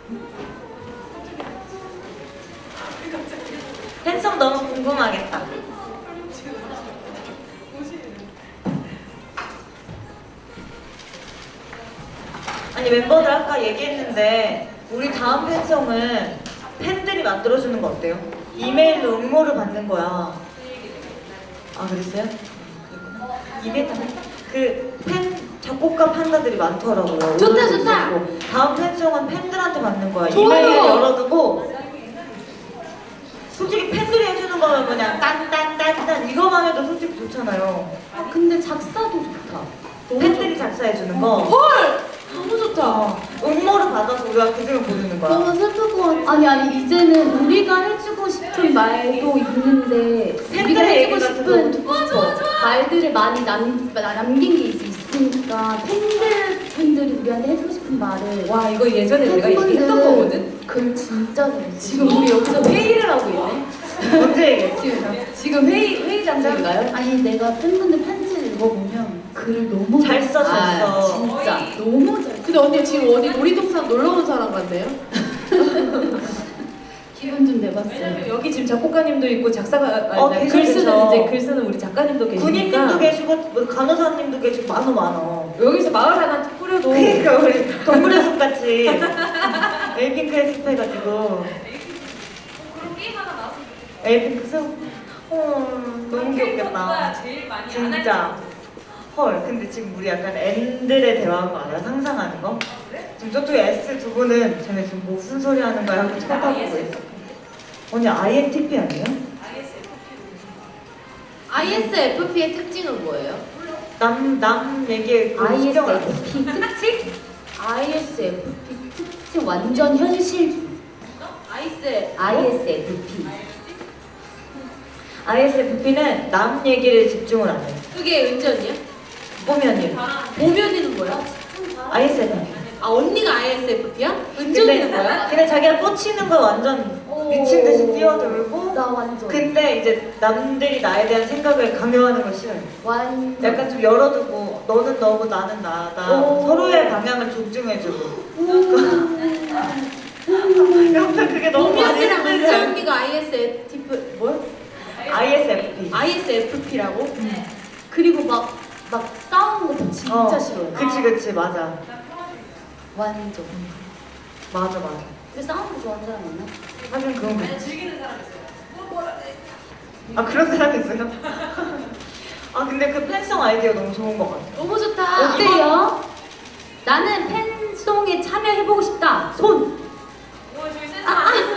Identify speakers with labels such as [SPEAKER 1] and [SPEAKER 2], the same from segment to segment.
[SPEAKER 1] 팬성 너무 궁금하겠다. 아니 멤버들 아까 얘기했는데 우리 다음 팬성은 팬들이 만들어주는 거 어때요? 이메일로 응모를 받는 거야. 아 그랬어요? 이메일 그팬 작곡가 판다들이 많더라고요.
[SPEAKER 2] 좋다, 좋다.
[SPEAKER 1] 다음 팬송은 팬들한테 받는 거야.
[SPEAKER 2] 좋아요.
[SPEAKER 1] 이메일 열어두고 솔직히 팬들이 해주는 거면 그냥 딴딴딴딴 이거만 해도 솔직히 좋잖아요.
[SPEAKER 2] 아, 근데 작사도 좋다.
[SPEAKER 1] 팬들이 작사해주는 거.
[SPEAKER 2] 헐! 너무 좋다.
[SPEAKER 1] 응모를 받아서 우리가 그중에 고르는 거야.
[SPEAKER 3] 너무 슬플 것 같아. 아니 이제는 우리가 해주고 싶은 말도 있는데 우리가
[SPEAKER 1] 팬들의
[SPEAKER 3] 해주고
[SPEAKER 1] 얘기 같은
[SPEAKER 3] 싶은
[SPEAKER 1] 거 듣고 싶어.
[SPEAKER 3] 말들을 많이 남긴 게 있으니까 팬들이 우리한테 해주고 싶은 말을
[SPEAKER 2] 와, 이거 예전에 우리가 얘기했던
[SPEAKER 3] 팬분들
[SPEAKER 2] 거거든?
[SPEAKER 3] 글 진짜 잘했어.
[SPEAKER 2] 지금 우리 여기서 회의를 하고 있네?
[SPEAKER 1] 언제 얘기했지?
[SPEAKER 2] 지금 회의 장소인가요?
[SPEAKER 3] 아니 내가 팬분들 편지를 읽어보면 글을 너무
[SPEAKER 1] 잘 써, 잘
[SPEAKER 2] 아,
[SPEAKER 1] 써.
[SPEAKER 3] 진짜 너무 잘.
[SPEAKER 2] 근데 언니 지금 어디 놀이동산 놀러 온 사람 같네요?
[SPEAKER 3] 기분 좀 내봤어요.
[SPEAKER 2] 왜냐면 여기 지금 작곡가님도 있고 작사가 아니,
[SPEAKER 1] 계셔,
[SPEAKER 2] 글 쓰는
[SPEAKER 1] 계셔.
[SPEAKER 2] 이제 글 쓰는 우리 작가님도 계시니까
[SPEAKER 1] 군인님도 계시고 뭐 간호사님도 계시고 많어.
[SPEAKER 2] 여기서 마을 하나 꾸려도
[SPEAKER 1] 그러니까 우리 동물의 숲 같이 에이핑크의 숲 해가지고
[SPEAKER 4] 그런 게임 하나 나왔으면
[SPEAKER 1] 에이핑크 숲. 너무 귀엽겠다.
[SPEAKER 4] 제일 많이
[SPEAKER 1] 진짜. 헐, 근데 지금 우리 약간 N들의 대화한 거 알아? 상상하는 거? 지금 저쪽에 S 두 분은 쟤네 지금 무슨 소리 하는 거야 하고 쳐다보고 있어. 언니 INTP 아니에요?
[SPEAKER 2] ISFP의 특징은 뭐예요?
[SPEAKER 1] 남 얘기에 그 신경 안 써.
[SPEAKER 3] ISFP 특징? ISFP 특징 완전 현실. ISFP.
[SPEAKER 1] ISFP는 남 얘기를 집중을 안 해.
[SPEAKER 2] 그게 은지 언니야?
[SPEAKER 1] 보면이.
[SPEAKER 2] 보면이는 뭐야?
[SPEAKER 1] ISFP.
[SPEAKER 2] 아, 언니가 ISFP야? 은지 언니는 뭐야?
[SPEAKER 1] 근데 자기가 꽂히는 거 완전 미친 듯이 뛰어들고
[SPEAKER 3] 나 완전.
[SPEAKER 1] 근데 이제 남들이 나에 대한 생각을 강요하는 걸 싫어해.
[SPEAKER 3] 완전.
[SPEAKER 1] 약간 좀 열어두고 너는 너고 나는 나다.
[SPEAKER 3] 오.
[SPEAKER 1] 서로의 방향을 존중해주고. 여튼 그게 너무 많이
[SPEAKER 2] 보면이랑 은지
[SPEAKER 1] 힘들지.
[SPEAKER 2] 언니가 ISFP 뭘?
[SPEAKER 1] ISFP.
[SPEAKER 2] ISFP라고?
[SPEAKER 3] 그리고 막 싸우는 거 진짜 싫어요.
[SPEAKER 1] 그치 맞아.
[SPEAKER 3] 완전.
[SPEAKER 1] 맞아.
[SPEAKER 3] 근데 싸우는 거 좋아하는 사람 없나?
[SPEAKER 1] 하긴 그런 거 있지.
[SPEAKER 4] 즐기는 사람 있어요.
[SPEAKER 1] 아 그런 사람이 있어요? 아 근데 그 팬성 아이디어 너무 좋은 것 같아.
[SPEAKER 2] 너무 좋다.
[SPEAKER 3] 어때요? 나는 팬송에 참여해보고 싶다. 손.
[SPEAKER 4] 이거 저희 센스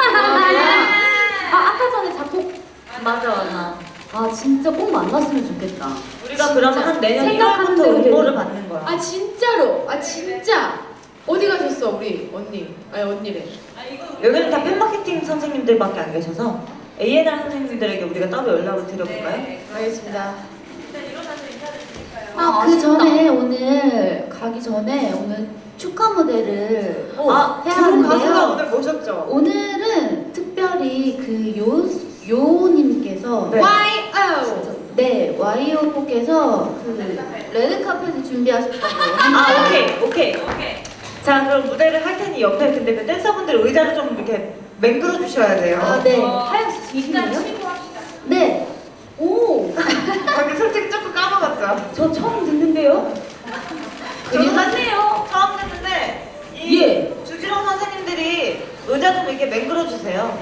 [SPEAKER 3] 아까 전에 작곡
[SPEAKER 1] 맞아.
[SPEAKER 3] 아 진짜 꼭 만났으면 좋겠다.
[SPEAKER 1] 우리가 그러면 한 내년
[SPEAKER 3] 생각하는
[SPEAKER 1] 1월부터
[SPEAKER 3] 대로
[SPEAKER 1] 응모를
[SPEAKER 3] 되는-
[SPEAKER 1] 받는 거야.
[SPEAKER 2] 아 진짜로? 아 진짜? 어디 가셨어 우리 언니? 아니 언니래.
[SPEAKER 1] 여기는 다 팬마케팅 선생님들밖에 안 계셔서 A&R 선생님들에게 우리가 따로 연락을 드려볼까요?
[SPEAKER 2] 알겠습니다.
[SPEAKER 4] 일단 일어나서 인사드릴까요?
[SPEAKER 3] 아 그 전에 오늘 가기 전에 오늘 축하 무대를
[SPEAKER 1] 아,
[SPEAKER 3] 해야
[SPEAKER 1] 두 가수가
[SPEAKER 3] 하는데요.
[SPEAKER 1] 오늘 모셨죠?
[SPEAKER 3] 오늘은 특별히 그 요님께서
[SPEAKER 1] 네.
[SPEAKER 2] YO.
[SPEAKER 3] 네 YO님께서 그 레드 카펫을 준비하셨다고.
[SPEAKER 1] 아, 오케이.
[SPEAKER 4] 오케이.
[SPEAKER 1] 자, 그럼 무대를 할 테니 옆에 근데 그 댄서분들 의자를 좀 이렇게 맹글어 주셔야 돼요.
[SPEAKER 3] 아 네.
[SPEAKER 2] 하영 씨
[SPEAKER 4] 일단
[SPEAKER 2] 지금요?
[SPEAKER 4] 치고 합시다.
[SPEAKER 3] 네. 오.
[SPEAKER 1] 근데 솔직히 조금 까먹었죠?
[SPEAKER 3] 저 처음 듣는데요.
[SPEAKER 1] 저도 맞네요. 처음 듣는데 이
[SPEAKER 3] 예.
[SPEAKER 1] 주지롱 선생님들이 의자 좀 이렇게 맹글어 주세요.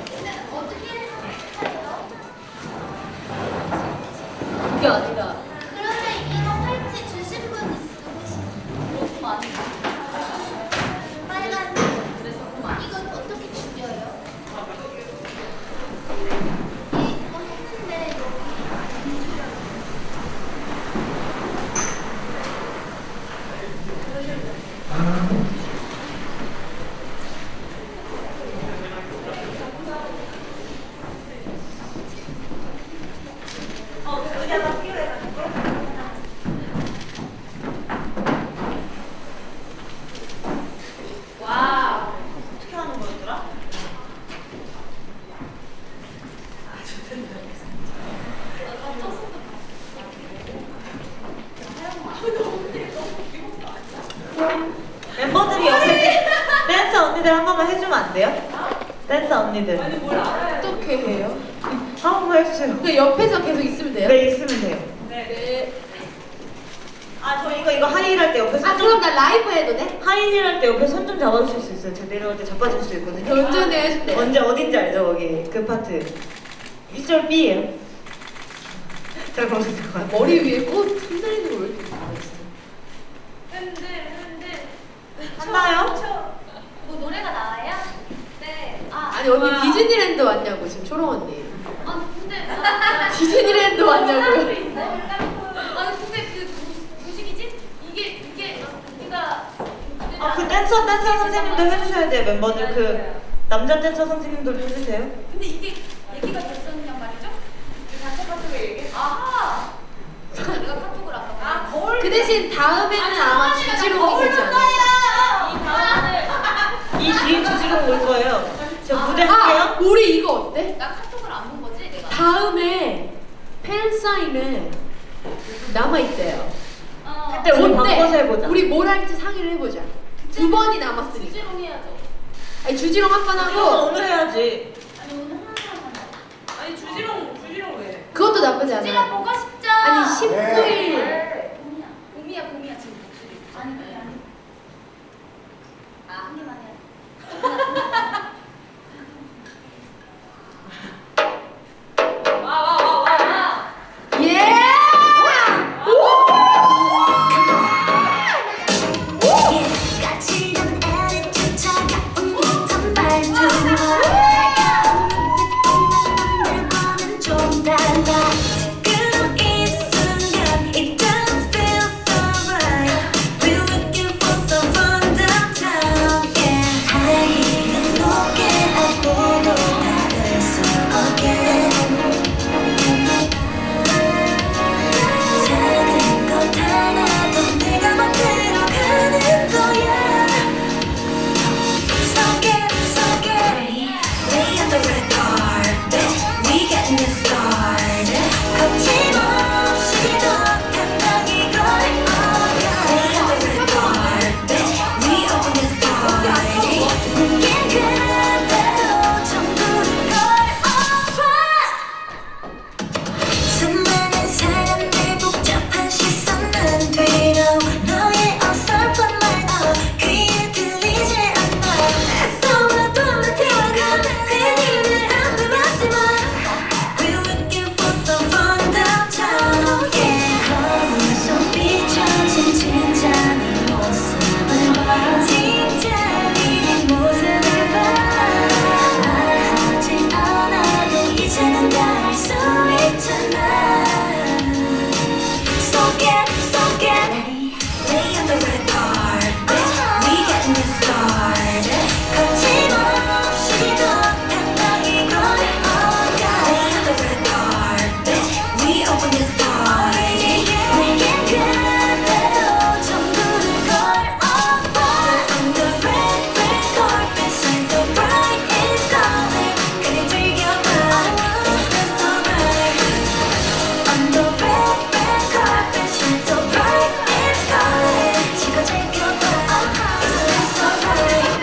[SPEAKER 3] 그게 아니라.
[SPEAKER 5] 그러면 이거 팔찌 주신 분 누구시죠? 빨간 이거 어떻게 죽여요? 이거 했는데
[SPEAKER 1] 언니들 한 번만 해주면 안 돼요? 댄서 언니들
[SPEAKER 4] 아니 뭘 알아요?
[SPEAKER 2] 어떻게 해요?
[SPEAKER 1] 한 번만 해주세요.
[SPEAKER 2] 그 옆에서 계속 있으면 돼요?
[SPEAKER 1] 네, 있으면 돼요.
[SPEAKER 2] 네.
[SPEAKER 1] 아, 저 이거 하이힐 할 때 옆에
[SPEAKER 2] 아
[SPEAKER 1] 손
[SPEAKER 2] 그럼
[SPEAKER 1] 좀,
[SPEAKER 2] 나 라이브 해도 돼?
[SPEAKER 1] 하이힐 할 때 옆에 손 좀 잡아주실 수 있어요? 제가 내려올 때 잡아줄 수 있거든요.
[SPEAKER 2] 운전해 해줄 때.
[SPEAKER 1] 언제 어딘지 알죠? 거기 그 파트 1절 B예요. 잘 보세요.
[SPEAKER 2] 머리 위에 꽃 흔들리는 거 왜 이렇게 잘했어?
[SPEAKER 4] 흔들.
[SPEAKER 1] 한나요?
[SPEAKER 5] 뭐 노래가 나와요?
[SPEAKER 4] 네.
[SPEAKER 2] 아니 언니 디즈니랜드 왔냐고 지금 초롱 언니.
[SPEAKER 5] 아 근데
[SPEAKER 2] 디즈니랜드 왔냐고요?
[SPEAKER 5] 아니 근데 그 무식이지? 이게 우리가
[SPEAKER 1] 아, 그 댄서 선생님도 해주셔야 돼요. 멤버들 그 남자 댄서 선생님들 해주세요.
[SPEAKER 5] 근데 이게 얘기가 됐었냔 말이죠?
[SPEAKER 4] 단체 카톡에 얘기해.
[SPEAKER 5] 아하. 내가 카톡을 아까.
[SPEAKER 4] 아 거울.
[SPEAKER 2] 그 대신 다음에는 아마 주지롱이 되지 않을까?
[SPEAKER 4] 이 다음에.
[SPEAKER 1] 이 뒤에 주지로 올 거예요. 저 무대
[SPEAKER 2] 아
[SPEAKER 1] 할게요.
[SPEAKER 2] 우리 이거 어때?
[SPEAKER 5] 나 카톡을 안 본 거지 내가.
[SPEAKER 2] 다음에 팬 사인회 남아 있대요.
[SPEAKER 1] 그때 옷
[SPEAKER 2] 그때
[SPEAKER 1] 바꿔서 해보자.
[SPEAKER 2] 우리 뭘 할지 상의를 해보자. 두 번이 남았으니까.
[SPEAKER 5] 주지롱 해야죠.
[SPEAKER 2] 아니 주지롱 한 번
[SPEAKER 1] 이거
[SPEAKER 2] 하고
[SPEAKER 1] 오늘 해야지.
[SPEAKER 5] 아니 오늘 하는 사람만.
[SPEAKER 4] 아니 주지롱 왜?
[SPEAKER 2] 그것도 나쁘지
[SPEAKER 5] 주지롱
[SPEAKER 2] 않아.
[SPEAKER 5] 보고 싶죠?
[SPEAKER 2] 아니 19일
[SPEAKER 5] 봄이야 지금 목소리. 아니 그게 아니. 한 개만 해.
[SPEAKER 4] 와.
[SPEAKER 2] 예!
[SPEAKER 5] 까칠한 애를 차가운 듯한 말투 달가운 눈빛 보는 남들과는 좀 달라 지금 이 순간 It doesn't feel so right We're looking for someone downtown yeah 하이힐은 높게 하고도 닿을 수 없게 작은 것 하나도 내가 만들어가는 거야 So get Lay on the red carpet We getting it started 거침없이 더 당당히 걸어가 Lay on the red carpet We open this party 느낀 그대로 전부를 걸어봐 수많은 사람들 복잡한 시선은 뒤로 너의 어설픈 말도 귀에 들리지 않아 애써봐도 나 태워가 괜히 안 들었지만 We're looking for someone downtown yeah 거울 속 비춰진 진짜 네 모습을 봐 진짜 네 모습을 봐 말하지 않아도 이제는 다 알 수 있잖아 So get Lay on the red carpet We getting it started 거침없이 더 당당히 걸어가 Lay on the red carpet We open this party 내겐 그대로 전부를 걸어봐 On the red carpet Shine so bright it's calling 그래 즐겨봐 It's so bright On the red carpet shine so bright it's calling 지금 즐겨봐 It's so bright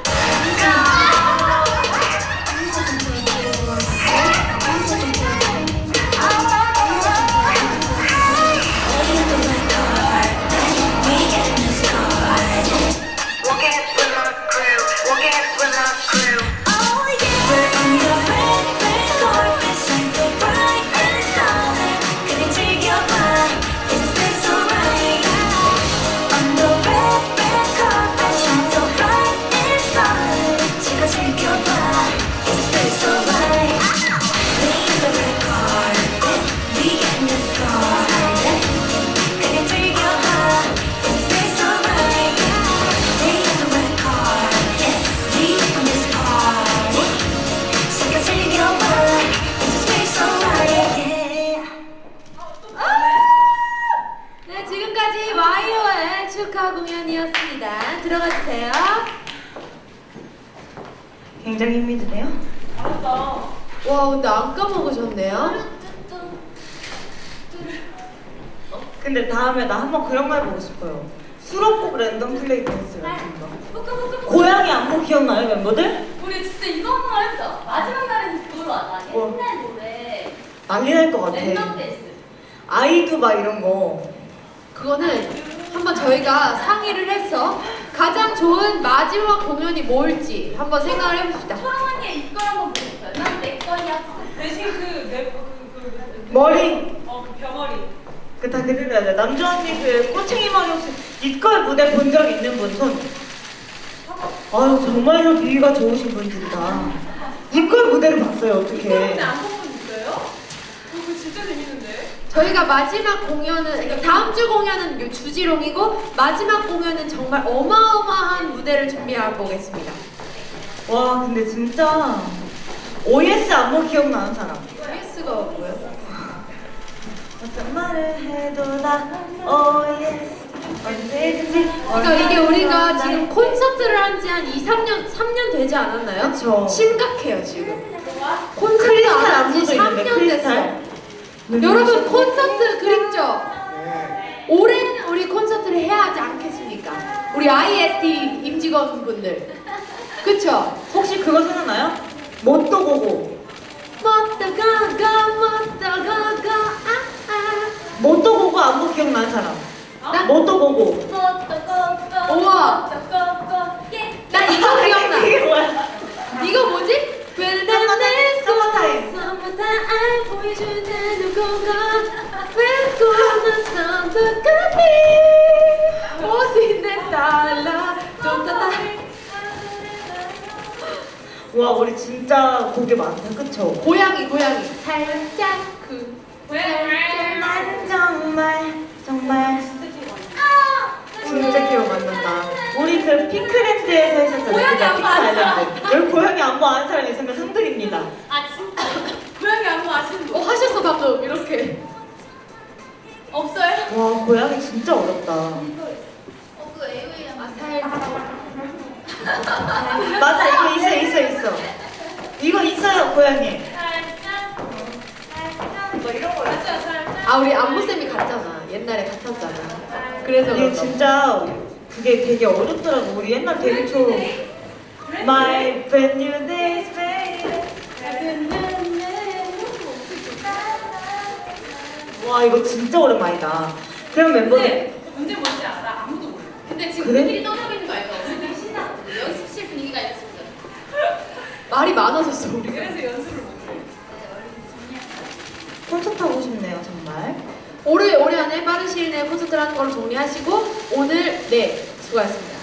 [SPEAKER 5] Lay on the red carpet We getting it started
[SPEAKER 6] Walking with my crew, walking with my crew.
[SPEAKER 5] Oh yeah We're on the red carpet shine so bright it's calling 그래 즐겨봐 It's so right On the red carpet shine so bright it's calling 지금 즐겨봐 It's so right Lay on the red carpet We getting it started 그래 즐겨봐 It's so right Lay on the red carpet We open this party 지금 즐겨봐 It's so right yeah
[SPEAKER 2] 네 지금까지 와이어의 축하 공연이었습니다. 들어가 주세요.
[SPEAKER 1] 굉장히 힘이 드네요.
[SPEAKER 4] 잘한다.
[SPEAKER 2] 와 근데 안 까먹으셨네요.
[SPEAKER 1] 근데 다음에 나 한번 그런 거 해보고 싶어요. 수록곡 랜덤 플레이 댄스 같은 거. 고양이 안무 기억나요 멤버들?
[SPEAKER 4] 우리 진짜 이거 한번 해보자. 마지막 날은 그걸로 하자.
[SPEAKER 1] 뭐?
[SPEAKER 4] 옛날 노래.
[SPEAKER 1] 난리 날 것 같아.
[SPEAKER 4] 랜덤 댄스.
[SPEAKER 1] 아이도 막 이런 거.
[SPEAKER 2] 그거는 한번 저희가 상의를 해서 가장 좋은 마지막 공연이 뭘지 한번 생각을 해봅시다.
[SPEAKER 4] 초롱 언니의 이걸 한번 보여줘요. 난 내 거야. 대신
[SPEAKER 1] 머리.
[SPEAKER 4] 그 벼머리.
[SPEAKER 1] 그 다 그대로야 돼. 남주 언니 그 꼬챙이 머리 혹시 이걸 무대 본 적 있는 분 손. 아유 정말로 비위가 좋으신 분들이다. 이걸 무대를 봤어요 어떻게?
[SPEAKER 4] 근데 안 본 분 있어요? 그거 진짜 재밌는데?
[SPEAKER 2] 저희가 마지막 공연은 그러니까 다음 주 공연은 요 주지롱이고 마지막 공연은 정말 어마어마한 무대를 준비해 보겠습니다.
[SPEAKER 1] 와 근데 진짜 OS 안무 기억나는 사람?
[SPEAKER 2] OS가 뭐예요?
[SPEAKER 1] 어떤 말을 해도 다 OS 언제든지.
[SPEAKER 2] 그러니까 이게 우리가 지금 콘서트를 한 지 한 3년 되지 않았나요?
[SPEAKER 1] 그쵸.
[SPEAKER 2] 심각해요 지금. 콘서트
[SPEAKER 1] 크리스탈
[SPEAKER 2] 안 한 지
[SPEAKER 1] 안무도 있는데
[SPEAKER 2] 3년
[SPEAKER 1] 크리스탈.
[SPEAKER 2] 됐어요. 여러분 콘서트 그립죠? 올해는 우리 콘서트를 해야 하지 않겠습니까? 우리 IST 임직원분들 그쵸?
[SPEAKER 1] 혹시 그거 생각나요? 뭣도 보고. 뭣도 보고 안무 기억나는 사람?
[SPEAKER 2] 나?
[SPEAKER 1] 뭣도 보고.
[SPEAKER 2] 우와. 나 이거 기억나.
[SPEAKER 1] 이게 뭐야?
[SPEAKER 2] 이거 뭐지? When the dance
[SPEAKER 1] Summertime.
[SPEAKER 2] goes summertime 보여주는 누군가 Let's go on the sun the good 옷인데 달라 좀 더
[SPEAKER 1] 와 우리 진짜 곡이 많다 그쵸?
[SPEAKER 2] 고양이 살짝 그
[SPEAKER 1] 난 정말 진짜 기억 안 난다. 우리 그 핑크랜드에서 했었잖아요.
[SPEAKER 4] 고양이
[SPEAKER 1] 그죠?
[SPEAKER 4] 안무
[SPEAKER 1] 핑크
[SPEAKER 4] 아세요?
[SPEAKER 1] 아일랜드. 여기 고양이 안무 아는 사람 있으면 상드립니다.
[SPEAKER 4] 아 진짜? 고양이 안무 아시는 분?
[SPEAKER 2] 하셨어 방금 이렇게
[SPEAKER 4] 없어요?
[SPEAKER 1] 와 고양이 진짜 어렵다.
[SPEAKER 4] 그 AV
[SPEAKER 1] 맞아 이거 있어. 이거 있어요 고양이. 뭐 이런 거 있어.
[SPEAKER 2] 아 우리 안무쌤이 같잖아 옛날에 같았잖아 그래서
[SPEAKER 1] 이게
[SPEAKER 2] 그런가
[SPEAKER 1] 진짜 그게 되게 어렵더라고. 우리 옛날 데뷔 초 My brand new days baby. 와 이거 진짜 오랜만이다. 그럼 멤버들
[SPEAKER 4] 근데 문제 뭔지 알아? 아무도 몰라. 근데 지금
[SPEAKER 1] 그래?
[SPEAKER 4] 우리끼리 떠들고 있는 거 알죠? 우리끼리 신나거든. 연습실 분위기가 이랬습니다.
[SPEAKER 2] 말이 많아졌어 우리가
[SPEAKER 4] 그래서 연습을 못해.
[SPEAKER 1] 콘서트 하고 싶네요 정말.
[SPEAKER 2] 올해 안에 빠른 시일 내에 콘서트를 하는 걸로 정리하시고 오늘 네 수고하셨습니다.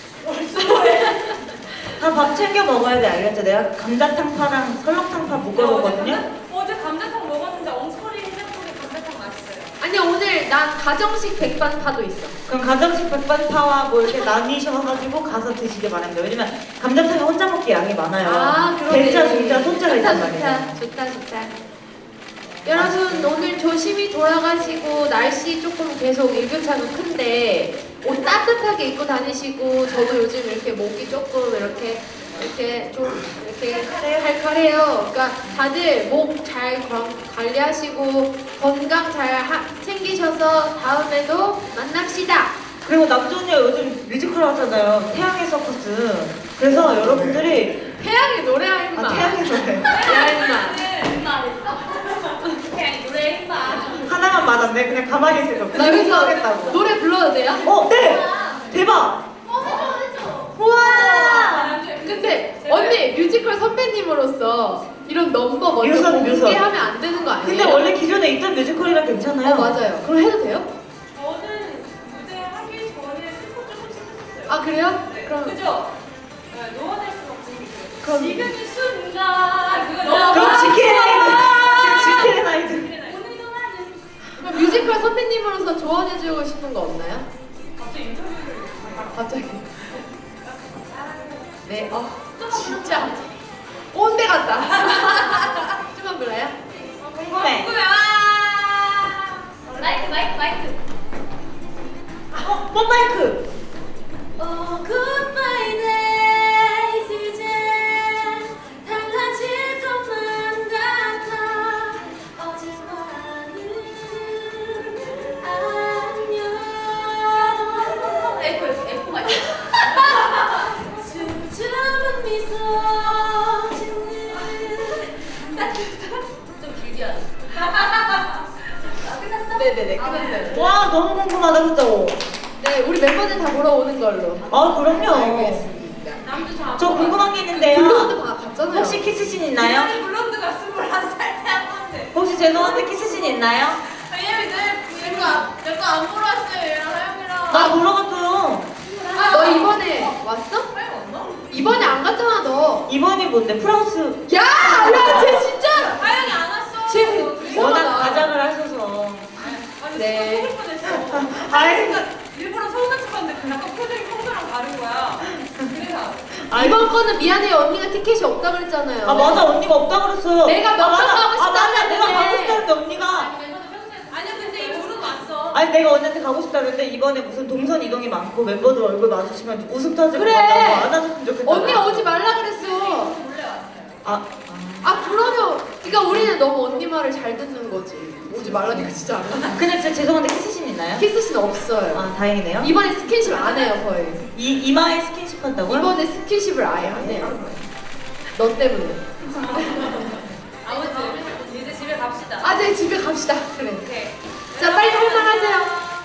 [SPEAKER 1] 다 밥 챙겨 먹어야 돼 알겠죠? 내가 감자탕파랑 설렁탕파 묶어놓거든요.
[SPEAKER 4] 어제 감자탕 먹었는데 엉스거리 해장국에 감자탕 맛있어요.
[SPEAKER 2] 아니 오늘 난 가정식 백반파도 있어.
[SPEAKER 1] 그럼 가정식 백반파와 뭐 이렇게 나뉘셔가지고 가서 드시길 바랍니다. 왜냐면 감자탕이 혼자 먹기 양이 많아요.
[SPEAKER 2] 아 그러네.
[SPEAKER 1] 대짜, 중짜, 소짜가
[SPEAKER 2] 좋다
[SPEAKER 1] 있단 말이에요.
[SPEAKER 2] 좋다. 여러분 오늘 조심히 돌아가시고 날씨 조금 계속 일교차가 큰데 옷 따뜻하게 입고 다니시고 저도 요즘 이렇게 목이 조금 이렇게 좀 이렇게 칼칼해요. 그러니까 다들 목 잘 관리하시고 건강 잘 챙기셔서 다음에도 만납시다.
[SPEAKER 1] 그리고 남주 언니가 요즘 뮤지컬 하잖아요. 태양의 서커스. 그래서 여러분들이
[SPEAKER 2] 태양이 노래야 임마.
[SPEAKER 1] 태양의 노래
[SPEAKER 2] 야 임마.
[SPEAKER 4] 엠마 했어? 그냥 노래 엠마.
[SPEAKER 1] 하나만 맞았네. 그냥 가만히 있을 거.
[SPEAKER 2] 나 여기서
[SPEAKER 1] 하겠다고.
[SPEAKER 2] 노래 불러도 돼요?
[SPEAKER 1] 네! 대박! 우와!
[SPEAKER 2] 근데 언니 뮤지컬 선배님으로서 이런 넘버 먼저
[SPEAKER 1] 뮤선.
[SPEAKER 2] 공개하면 안 되는 거 아니에요?
[SPEAKER 1] 근데 원래 기존에 있던 뮤지컬이랑 괜찮아요.
[SPEAKER 2] 맞아요. 그럼 해도 돼요?
[SPEAKER 4] 저는 무대 하기 전에 슬퍼 조금씩 했었어요.
[SPEAKER 2] 아 그래요?
[SPEAKER 4] 네.
[SPEAKER 2] 그럼
[SPEAKER 4] 그죠? 네, 노원할 수 없는 게
[SPEAKER 1] 그럼-
[SPEAKER 4] 지금 이 순간 그거
[SPEAKER 1] 그럼 지킬의 나이트.
[SPEAKER 4] 오늘도 나는
[SPEAKER 2] 그럼 뮤지컬 선배님으로서 조언해주고 싶은 거 없나요?
[SPEAKER 4] 갑자기 인터뷰를
[SPEAKER 2] 갑자기. 네. 진짜 꼰대 같다. 좀만 불러요?
[SPEAKER 1] 궁금해.
[SPEAKER 4] 마이크
[SPEAKER 1] 뽀마이크.
[SPEAKER 4] Oh goodbye days 이제 달라질 것만 같아 어제와는 안녕 에코가 있어 춤추며 미소 짓는 좀 길게 하자. 끝났어?
[SPEAKER 2] 네네네 끝났어요.
[SPEAKER 1] 와 너무 궁금하다 그죠?
[SPEAKER 2] 네 우리 멤버들 다 보러 오는 걸로.
[SPEAKER 1] 아 그럼요.
[SPEAKER 2] 알겠습니다.
[SPEAKER 4] 남주 다.
[SPEAKER 1] 저 궁금한 게 있는데요.
[SPEAKER 2] 블론드 다 갔잖아요.
[SPEAKER 1] 혹시 키스신 있나요?
[SPEAKER 4] 블론드가 21살 때 한 건데.
[SPEAKER 1] 혹시 죄송한데 키스신 있나요?
[SPEAKER 4] 왜냐면 내거안 보러 왔어요 얘랑 하영이랑.
[SPEAKER 1] 나 보러 갔어요.
[SPEAKER 2] 너 이번에 왔어?
[SPEAKER 4] 하영 왔나?
[SPEAKER 2] 이번에 안 갔잖아 너.
[SPEAKER 1] 이번이 뭔데? 프랑스
[SPEAKER 2] 야, 야, 쟤 진짜.
[SPEAKER 4] 하영이 안 왔어.
[SPEAKER 2] 쟤
[SPEAKER 1] 워낙
[SPEAKER 2] 이상하다.
[SPEAKER 1] 가장을 하셔서.
[SPEAKER 4] 아니
[SPEAKER 2] 네.
[SPEAKER 4] 속을 뻔했어. 아니 그러니까 일부러 서운한 척하는데 약간 표정이 평소랑 다른 거야. 그래서
[SPEAKER 2] 이번 거는 미안해요 언니가 티켓이 없다 그랬잖아요.
[SPEAKER 1] 아 맞아 언니가 없다 그랬어요.
[SPEAKER 2] 내가 몇번
[SPEAKER 1] 맞아.
[SPEAKER 2] 가고 싶다
[SPEAKER 1] 아 맞아 내가
[SPEAKER 2] 그랬는데.
[SPEAKER 1] 가고 싶다는데 언니가.
[SPEAKER 4] 아니야 근데 이 둘은 왔어.
[SPEAKER 1] 아니 내가 언니한테 가고 싶다 그랬는데 이번에 무슨 동선 이동이 많고 멤버들 얼굴 마주치면 웃음 터질
[SPEAKER 2] 그래.
[SPEAKER 1] 것 같다고 안아줬으면 좋겠다.
[SPEAKER 2] 언니 오지 말라 그랬어.
[SPEAKER 4] 몰래 왔어요.
[SPEAKER 1] 아,
[SPEAKER 2] 아 그러면 그러니까 우리는 너무 언니 말을 잘 듣는 거지. 오지 말라니까 진짜 안 가.
[SPEAKER 1] 근데 진짜 죄송한데 키스신 있나요?
[SPEAKER 2] 키스씬 없어요.
[SPEAKER 1] 아 다행이네요.
[SPEAKER 2] 이번에 스킨십 안 해요 거의.
[SPEAKER 1] 이마에 스킨십 한다고요?
[SPEAKER 2] 이번에 스킨십을 아예 안 해요. 너 때문에.
[SPEAKER 4] 아무튼 이제 집에 갑시다.
[SPEAKER 2] 아, 네 집에 갑시다. 그래.
[SPEAKER 4] 오케이.
[SPEAKER 2] 자 빨리 할만하세요.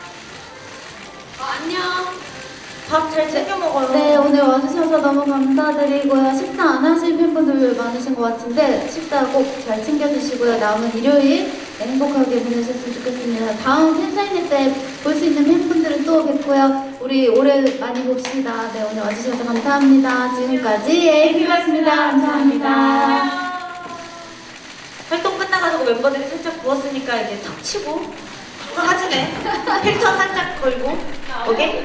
[SPEAKER 2] 안녕.
[SPEAKER 1] 밥 잘 챙겨 먹어요.
[SPEAKER 3] 네, 오늘 와주셔서 너무 감사드리고요. 식사 안 하신 팬분들 많으신 것 같은데 식사 꼭 잘 챙겨주시고요. 남은 일요일 행복하게 보내셨으면 좋겠습니다. 다음 팬사인회 때 볼 수 있는 팬분들은 또 뵙고요. 우리 올해 많이 봅시다. 네, 오늘 와주셔서 감사합니다. 지금까지 에이비였습니다. 감사합니다.
[SPEAKER 1] 활동 끝나가지고 멤버들이 살짝 부었으니까 이제 탁 치고 사진에 필터 살짝 걸고 오케이?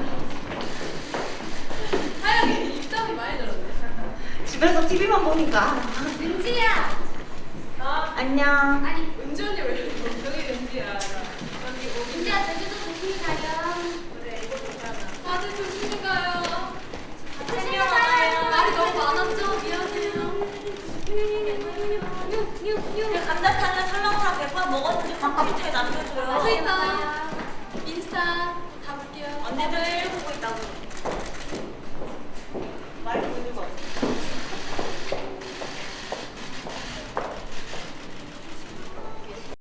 [SPEAKER 4] 하영이 입담이 많이 늘었네.
[SPEAKER 1] 집에서 TV만 보니까
[SPEAKER 4] 은지야. 나
[SPEAKER 1] 안녕.
[SPEAKER 4] 아니 은지 언니 왜 이렇게 저기 은지야. 은지야 제주도 조심히 가요. 그래 이거 좋잖아. 다들 조심히 가요. 조심히 가요. 말이 너무 많았죠? 미안해요.
[SPEAKER 1] 감자탕은 설렁탕 100번 먹었는지 컴퓨터에 남겨줘요.
[SPEAKER 4] 트위터, 인스타 다 볼게요.
[SPEAKER 1] 언니들